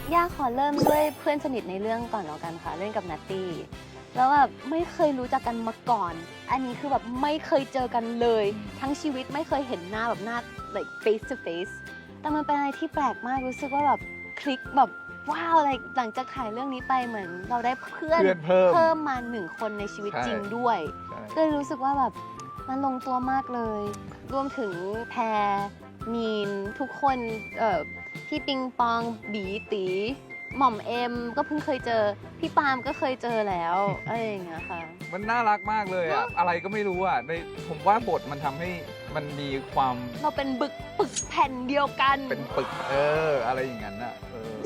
ย่าขอเริ่มด้วยเพื่อนสนิทในเรื่องก่อนแล้วกันค่ะเล่นกับนัตตี้แล้วแบบไม่เคยรู้จักกันมาก่อน อันนี้คือแบบไม่เคยเจอกันเลยทั้งชีวิตไม่เคยเห็นหน้าแบบหน้า like face to face แต่มันเป็นอะไรที่แปลกมากรู้สึกว่าแบบคลิกแบบว้าวอะไรหลังจากถ่ายเรื่องนี้ไปเหมือนเราได้เพื่อนเพิ่มมา1 คนในชีวิตจริงด้วยก็เลยรู้สึกว่าแบบมันลงตัวมากเลยรวมถึงแพรมีนทุกคนพี่ปิงปองบีตีหม่อมเอ็มก็เพิ่งเคยเจอพี่ปาล์มก็เคยเจอแล้วอะไรอย่างเงี้ยค่ะมันน่ารักมากเลยอะอะไรก็ไม่รู้อะในผมว่าบทมันทำให้มันมีความเราเป็นปึกแผ่นเดียวกันเป็นปึกอะไรอย่างนั้นอะ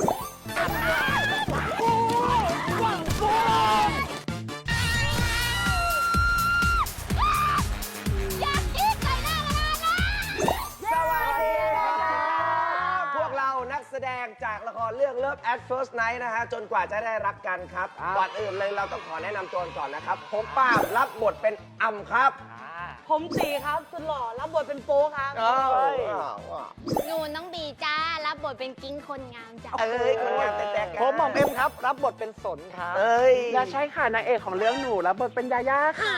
แสดงจากละครเรื่อง Love at First Night นะฮะจนกว่าจะได้รักกันครับก่อนอื่นเลยเราต้องขอแนะนำตัวก่อนนะครับผมป้าบรับบทเป็นอ่ำครับผมตีครับสุดหล่อรับบทเป็นโป๊ครับหนูน้องบีจ้ารับบทเป็นกิ้งคนงามจ้าคนงามแต่ผมหม่อมเอ็มครับรับบทเป็นสนครับและใช่ค่ะนางเอกของเรื่องหนูรับบทเป็นยาย่าค่ะ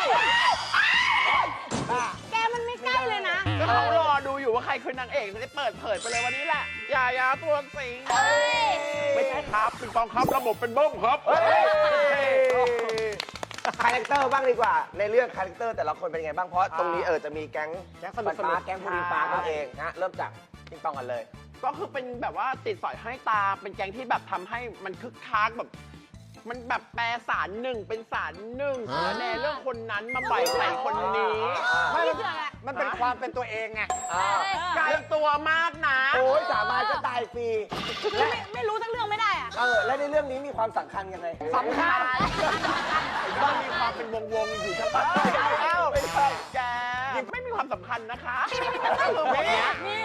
แกมันไม่ใกล้เลยนะก็เขารอดูอยู่ว่าใครคือนางเอกจะได้เปิดเผยไปเลยวันนี้แหละยาตัวสิงไม่ใช่ครับปิงปองครับระบบเป็นเบิ้มครับคาแรคเตอร์บ้างดีกว่าในเรื่องคาแรคเตอร์แต่ละคนเป็นไงบ้างเพราะตรงนี้จะมีแก๊งสนุกแก๊งพูดิงปานั่นเองนะเริ่มจากปิงปองกันเลยก็คือเป็นแบบว่าติดสอยให้ตาเป็นแก๊งที่แบบทำให้มันคึกคักแบบมันแบบแปลสารหนึ่งเป็นสารหนึ่งในเรื่องคนนั้นมาใส่คนนี้มันเป็นความเป็นตัวเองไงไกลตัวมากนะโอ้ยสาบานก็ตายฟรีไม่รู้ทั้งเรื่องไม่ได้อะและในเรื่องนี้มีความสำคัญยังไงสำคัญก็มีความเป็นวงอยู่ทั้งหมดไม่ใช่แกไม่มีความสำคัญนะคะคือแบบนี้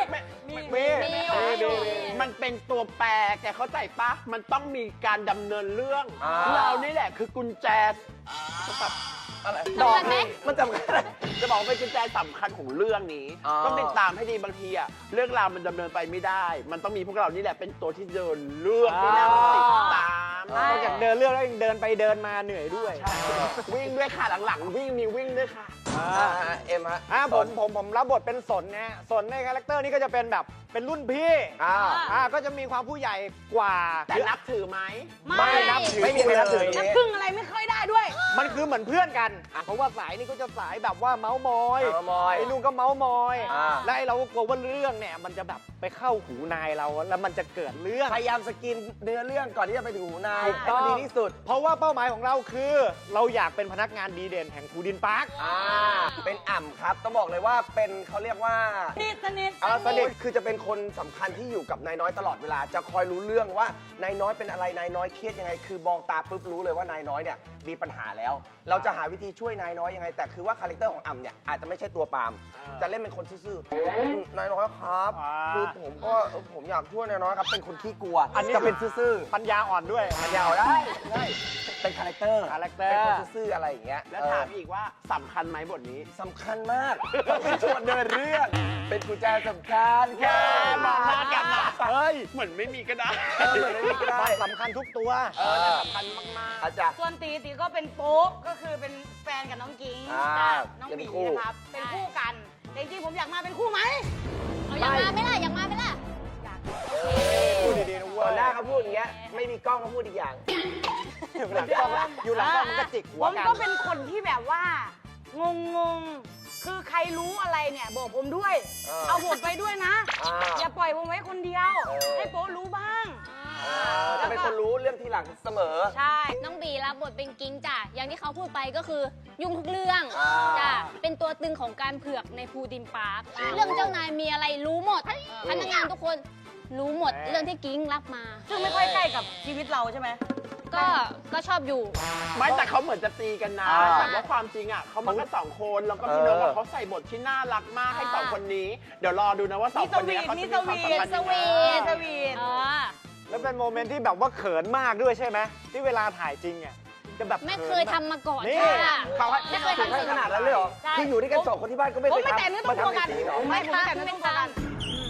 มันเป็นตัวแปรแกเข้าใจปะมันต้องมีการดำเนินเรื่องเรานี่แหละคือกุญแจแบบอะไรดอกไหมมันจำกันจะบอกเป็นกุญแจสำคัญของเรื่องนี้ต้องติดตามให้ดีบางทีอะเรื่องราวมันดำเนินไปไม่ได้มันต้องมีพวกเรานี่แหละเป็นตัวที่เดินเรื่องที่น่าติดตามนอกจากเดินเรื่องแล้วยังเดินไปเดินมาเหนื่อยด้วยวิ่งด้วยค่ะหลังๆวิ่งด้วยค่ะเอ็มฮะผมรับบทเป็นสนนะสนในคาแรคเตอร์นี้ก็จะเป็นแบบเป็นรุ่นพี่ก็จะมีความผู้ใหญ่กว่าแต่นับถือไหมไม่นับถือไม่มีใครนับถือนับพึ่งอะไรไม่ค่อยได้ด้วยมันคือเหมือนเพื่อนกันเพราะว่าสายนี้ก็จะสายแบบว่าเมาส์มอยไอ้ลุงก็เมาส์มอยและไอ้เราก็กลัวว่าเรื่องเนี่ยมันจะแบบไปเข้าหูนายเราแล้วมันจะเกิดเรื่องพยายามสกินเนื้อเรื่องก่อนที่จะไปถึงหูนายให้ดีที่สุดเพราะว่าเป้าหมายของเราคือเราอยากเป็นพนักงานดีเด่นแห่งภูดินพาร์คเป็นอ่ำครับต้องบอกเลยว่าเป็นเขาเรียกว่าสนิทคือจะเป็นคนสำคัญที่อยู่กับนายน้อยตลอดเวลาจะคอยรู้เรื่องว่านายน้อยเป็นอะไรนายน้อยเครียดยังไงคือมองตาปุ๊บรู้เลยว่านายน้อยเนี่ยมีปัญหาแล้วเราจะหาวิธีช่วยนายน้อยยังไงแต่คือว่าคาแรคเตอร์ของอ่ำเนี่ยอาจจะไม่ใช่ตัวปาล์มจะเล่นเป็นคนซื่อๆนายน้อยครับคือผมอยากช่วยนายน้อยครับเป็นคนขี้กลัวอันนี้จะเป็นซื่อปัญญาอ่อนด้วยปัญญาอ่อนได้เป็นคาแรคเตอร์เป็นคนซื่อๆอะไรอย่างเงี้ยแล้วถามอีกว่าสำคัญไหมบทนี้สำคัญมากเป็นชวนเดินเรื่องเป็นกุญแจสำคัญแค่มองหน้ากันนะเฮ้ยเหมือนไม่มีก็ได้เหมือนไม่มีก็ได้สำคัญทุกตัวสำคัญมากๆอาจารย์ส่วนตีก็เป็นโป๊กก็คือเป็นแฟนกับน้องกิ้งน้องบีนะครับเป็นคู่กันแต่จริงๆผมอยากมาเป็นคู่ไหมอยากมาไหมล่ะอยากมาไหมล่ะอยากพูดดีๆนะเว้ยหน้าเขาพูดอย่างเงี้ยไม่มีกล้องเขาพูดอีกอย่างอยู่หลังกล้องมันก็จิกหัวกันผมก็เป็นคนที่แบบว่างงคือใครรู้อะไรเนี่ยบอกผมด้วยเอาผมไปด้วยนะอย่าปล่อยผมไว้คนเดียวให้โป๊รู้บ้างจะเป็นคนรู้เรื่องทีหลังเสมอใช่น้องบีรับบทเป็นกิ้งจ้ะอย่างที่เขาพูดไปก็คือยุ่งทุกเรื่องจ้ะเป็นตัวตึงของการเผือกในภูดินปาร์คเรื่องเจ้านายมีอะไรรู้หมดพนักงานทุกคนรู้หมดเรื่องที่กิ้งรับมาซึ่งไม่ค่อยใกล้กับชีวิตเราใช่ไหมก็ชอบอยู่ไม่แต่เขาเหมือนจะตีกันนะแต่ว่าความจริงอ่ะเขามาแค่2 คนแล้วก็พี่น้องเขาใส่บทที่น่ารักมากให้2 คนนี้เดี๋ยวรอดูนะว่า2 คนนี้เขาจะมีความสัมพันธ์ยังไงแล้วเป็นโมเมนต์ที่แบบว่าเขินมากด้วยใช่ไหมที่เวลาถ่ายจริงอ่ะจะแบบไม่เคยทำมาก่อนค่ะไม่เคยทำขนาดนั้นเลยเหรอคืออยู่ด้วยกัน2 คนที่บ้านก็ไม่เคยทำมาทำในซีหรอไม่แต่ไม่ต้องกัน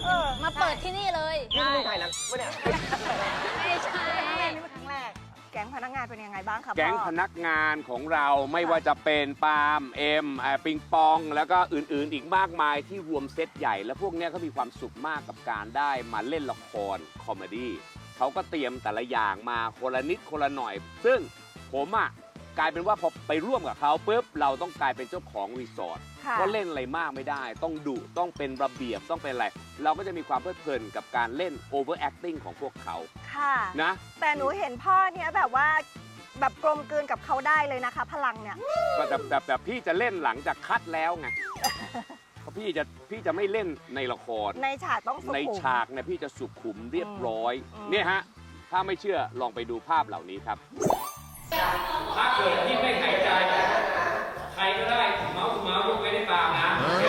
มาเปิดที่นี่เลยนี่มึงถ่ายหนังปะเนี่ยไม่ใช่นี่เป็นครั้งแรกแก๊งพนักงานเป็นยังไงบ้างครับแก๊งพ่อพนักงานของเราไม่ว่าจะเป็นปาล์มเอ็มปิงปองแล้วก็อื่นๆอีกมากมายที่รวมเซตใหญ่ แล้วพวกเนี้ยเขามีความสุขมากกับการได้มาเล่นละครคอมเมดี้เขาก็เตรียมแต่ละอย่างมาคนละนิดคนละหน่อย ซึ่งผมอ่ะกลายเป็นว่าพอไปร่วมกับเขาปุ๊บเราต้องกลายเป็นเจ้าของรีสอร์ทค่ะเพราะเล่นอะไรมากไม่ได้ ต้องดุต้องเป็นระเบียบต้องเป็นอะไร เราก็จะมีความเพลิดเพลินกับการเล่น over acting ของพวกเขาค่ะนะแต่หนูเห็นพ่อเนี่ยแบบว่าแบบกลมกลืนกับเขาได้เลยนะคะ พลังเนี่ยก็แบบพี่จะเล่นหลังจากคัดแล้วไง เพราะพี่จะไม่เล่นในละครในฉากต้องสุขุมในฉากเนี่ยพี่จะสุขุมเรียบร้อยอืมเนี่ยฮะ ถ้าไม่เชื่อลองไปดูภาพเหล่านี้ครับ ถ้าเกิดพี่ไม่หายใจ ใครก็ได้เมาส์ยกไว้ในปากนะ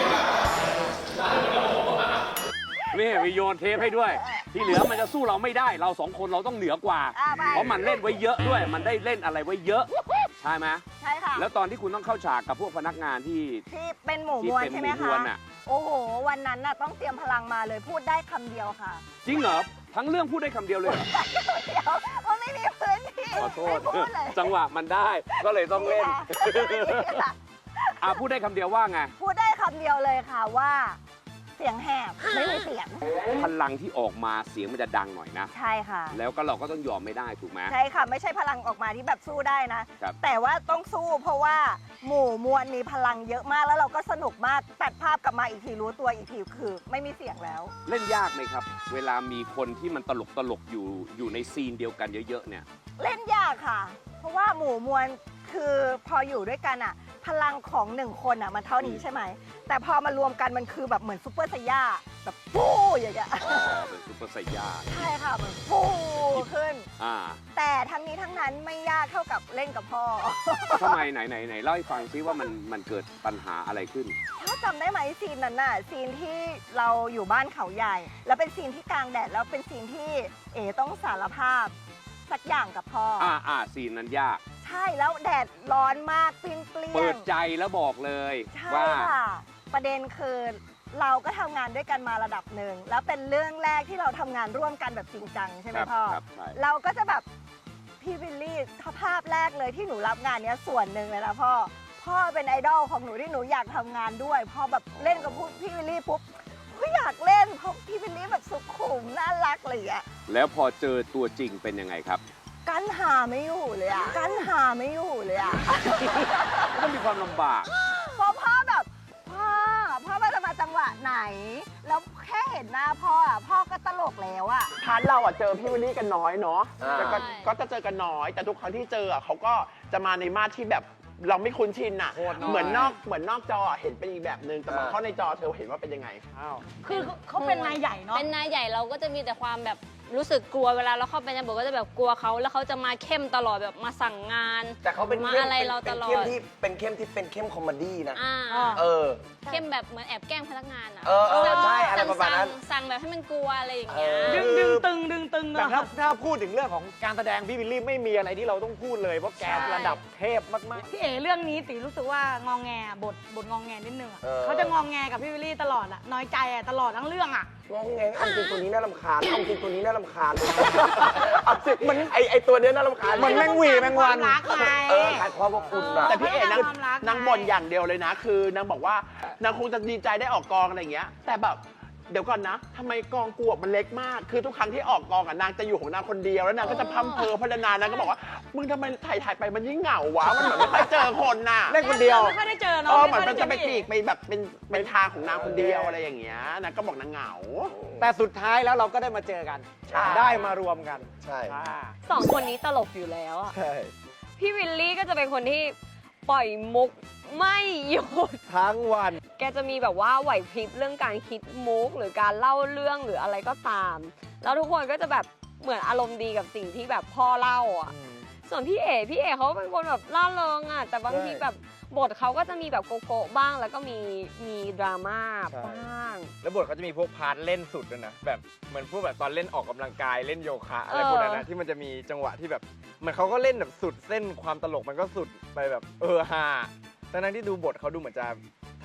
นี่มีโยนเทปให้ด้วย ที่เหลือมันจะสู้เราไม่ได้ เราสองคนเราต้องเหนือกว่าไปเพราะมันเล่นไว้เยอะด้วย มันได้เล่นอะไรไว้เยอะ ใช่ไหมใช่ค่ะแล้วตอนที่คุณต้องเข้าฉากกับพวกพนักงานที่ที่เป็นหมู่ที่มวลเป็นใช่หไหมมู่มคะวลน่ะโอ้โห วันนั้นน่ะต้องเตรียมพลังมาเลยพูดได้คำเดียวค่ะจริงเหรอ ทั้งเรื่องพูดได้คำเดียวเลยเหรอเดี๋ยวมันไม่มีพื้นที่ขอโทษไม่พูดเลยจังหวะมันได้ก็เลยต้องเล่นค่ะพูดได้คำเดียวว่าไงพูดได้คำเดียวเลยค่ะว่า เสียงแหบไม่มีเสียงพลังที่ออกมาเสียงมันจะดังหน่อยนะใช่ค่ะแล้วก็เราก็ต้องยอมไม่ได้ถูกไหมใช่ค่ะ ไม่ใช่พลังออกมาที่แบบสู้ได้นะครับแต่ว่าต้องสู้เพราะว่าหมู่มวลมีพลังเยอะมากแล้วเราก็สนุกมากตัดภาพกลับมาอีกทีรู้ตัวอีกทีคือไม่มีเสียงแล้วเล่นยากไหมครับ เวลามีคนที่มันตลกอยู่ในซีนเดียวกันเยอะๆเนี่ยเล่นยากค่ะ เพราะว่าหมู่มวลคือพออยู่ด้วยกันอะพลังของหนึ่งคนอะมันเท่านี้ใช่ไหม แต่พอมารวมกันมันคือแบบเหมือนซูเปอร์ไซย่าแบบฟู่อย่างเงี้ยอ๋อ เป็นซุปเปอร์ไซย่าใช่ค่ะเหมือนฟู่ขึ้นอ่าแต่ทั้งนี้ทั้งนั้นไม่ยากเท่ากับเล่นกับพ่อทำไมไหนเล่าให้ฟังซิว่ามันเกิดปัญหาอะไรขึ้นถ้าจำได้ไหมซีนนั้นน่ะซีนที่เราอยู่บ้านเขาใหญ่ แล้วเป็นซีนที่กลางแดดแล้วเป็นซีนที่เอ๋ต้องสารภาพสักอย่างกับพ่อซีนนั้นยากใช่แล้วแดดร้อนมากเปรี้ยงเปิดใจแล้วบอกเลยใช่ว่าค่ะ ประเด็นคือเราก็ทำงานด้วยกันมาระดับหนึ่งแล้วเป็นเรื่องแรกที่เราทำงานร่วมกันแบบจริงจังใช่ไหมครับพ่อครับใช่เราก็จะแบบพี่วิลลี่ภาพแรกเลยที่หนูรับงานเนี้ยส่วนหนึ่งเลยนะพ่อเป็นไอดอลของหนูที่หนูอยากทำงานด้วยพอแบบเล่นกับพี่วิลลี่ปุ๊บก็อยากเล่นเพราะพี่วิลลี่แบบสุขุมน่ารักเลยอะแล้วพอเจอตัวจริงเป็นยังไงครับกั้นหาไม่อยู่เลยอะกั้นหาไม่อยู่เลยอะก็มีความลำบากเพราะพ่อแบบพ่อมันจะมาจังหวะไหน แล้วแค่เห็นหน้าพ่ออะพ่อก็ตลกแล้วอะพาร์ทเราเจอพี่วิลลี่กันน้อยเนาะอ่าแต่ก็จะเจอกันน้อย แต่ทุกครั้งที่เจอเขาก็จะมาในมาตรที่แบบเราไม่คุ้นชินอ่ะโคตรน้อยเหมือนนอกจอเห็นเป็นอีกแบบนึงแต่มาเข้าในจอเธอเห็นว่าเป็นยังไงคือเขาเป็นนายใหญ่เนาะเป็นนายใหญ่เราก็จะมีแต่ความแบบรู้สึกกลัวเวลาเราเข้าไปในบทก็จะแบบกลัวเขาแล้วเขาจะมาเข้มตลอดแบบมาสั่งงานแต่เขาเป็นมาเข้มอะไรเราตลอเป็นดเข้มที่เป็นเข้มคอมเมดี้นะอ่าเออเข้มแบบเหมือนแอบแกล้งพนักงานอ่ะเออใช่อะไรประมาณนั้นสั่งแบบให้มันกลัวอะไรอย่างเงี้ยเออดึงตึงเนแต่อะถ้าพูดถึงเรื่องของการแสดงพี่วิลลี่ไม่มีอะไรที่เราต้องพูดเลย เพราะแกใช่ระดับเทพมากพี่เอ๋เรื่องนี้ตีรู้สึกว่างองแงบทงองแงนิดนึงอะเออเขาจะงองแงกับพี่วิลลี่ตลอดอะน้อยใจอะตลอดทั้งเรื่องอะงงแงเอาจริงตัวนี้น่ารำคาญเอาจริงตัวนี้น่ารำคาญเอาจริงมันไอตัวเนี้ยน่ารำคาญมันแม่งหวีแม่งวันรักไงขาดความอบอุ่นอะแต่พี่เอ๋ความรักนางบ่นอย่างเดียวเลยนะ คือนางบอกว่านางคงจะดีใจได้ออกกองอะไรอย่างเงี้ย แต่แบบเดี๋ยวก่อนนะทำไมกองกูอะมันเล็กมาก คือทุกครั้งที่ออกกองนางจะอยู่ของนางคนเดียวแล้วนางก็จะพัมเพอพัฒนานางก็บอกว่ามึงทำไมถ่ายไปมันยิ่งเหงาวะมันเหมือนไม่ค่อยเจอคนน่ะๆ เล่นคนเดียวไม่ค่อยได้เจอเนาะเหมือนมันจะไปปีกไปแบบเป็นทางของนางคนเดียวอะไรอย่างเงี้ยนางก็บอกนางเหงาแต่สุดท้ายแล้วเราก็ได้มาเจอกันใช่ได้มารวมกันใช่อ่าสองคนนี้ตลกอยู่แล้วอะใช่พี่วิลลี่ก็จะเป็นคนที่ปล่อยมุกไม่หยุดทั้งวันแกจะมีแบบว่าไหวพริบเรื่องการคิดมุกหรือการเล่าเรื่องหรืออะไรก็ตาม แล้วทุกคนก็จะแบบเหมือนอารมณ์ดีกับสิ่งที่แบบพ่อเล่าอ่ะ ส่วนพี่เอ๋เขาเป็นคนแบบล่าเริงอ่ะ แต่บางทีแบบบทเขาก็จะมีแบบโกโก้บ้าง แล้วก็มีดราม่าใช่บ้างแล้วบทเขาจะมีพวกพาร์ทเล่นสุดด้วยนะแบบเหมือนพวกแบบตอนเล่นออกกำลังกายเล่นโยคะอะไรพวกนั้นนะที่มันจะมีจังหวะที่แบบเหมือนเขาก็เล่นแบบสุดเส้นความตลกมันก็สุดไปแบบฮาทั้งที่ดูบทเขาดูเหมือนจะธ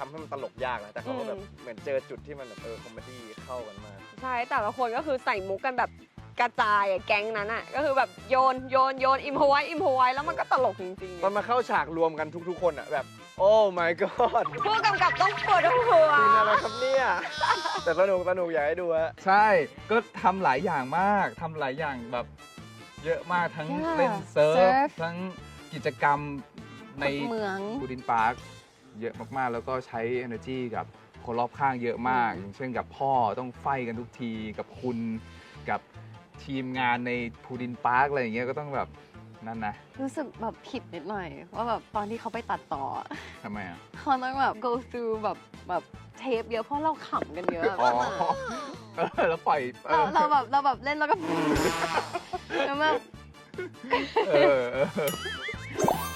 ทำให้มันตลกยากนะแต่เขาก็แบบเหมือนเจอจุดที่มันแบบคอมเมดี้เข้ากันมากใช่แต่ละคนก็คือใส่มุกกันแบบกระจายอะแก๊งนั้นอะก็คือแบบโยนอิมพอไว้แล้วมันก็ตลกจริงๆตอนมาเข้าฉากรวมกันทุกๆคนอ่ะแบบโอ้ my god ผู้กำกับต้องปวดหัวจริงอะไรครับเนี่ยแต่สนุกอยากให้ดูฮะใช่ก็ทำหลายอย่างมากทำหลายอย่างแบบเยอะมากทั้ง Yeah เล่นเซิร์เซิฟร์ฟทั้งกิจกรรมในขุดเหมืองบูดินพาร์คเยอะมากๆ แล้วก็ใช้ energy กับคนรอบข้างเยอะมาก อย่างเช่นกับพ่อต้องไฟกันทุกทีกับคุณกับทีมงานในพูดินพาร์คอะไรอย่างเงี้ยก็ต้องแบบนั่นนะรู้สึกแบบผิดนิดหน่อยว่าแบบตอนที่เขาไปตัดต่อทำไมอ่ะเขาต้องแบบ go through แบบเทปเยอะเพราะเราขำกันเยอะอ๋อแล้วปล่อยเราแบบเล่นแล้วก็ แล้วแบบเออ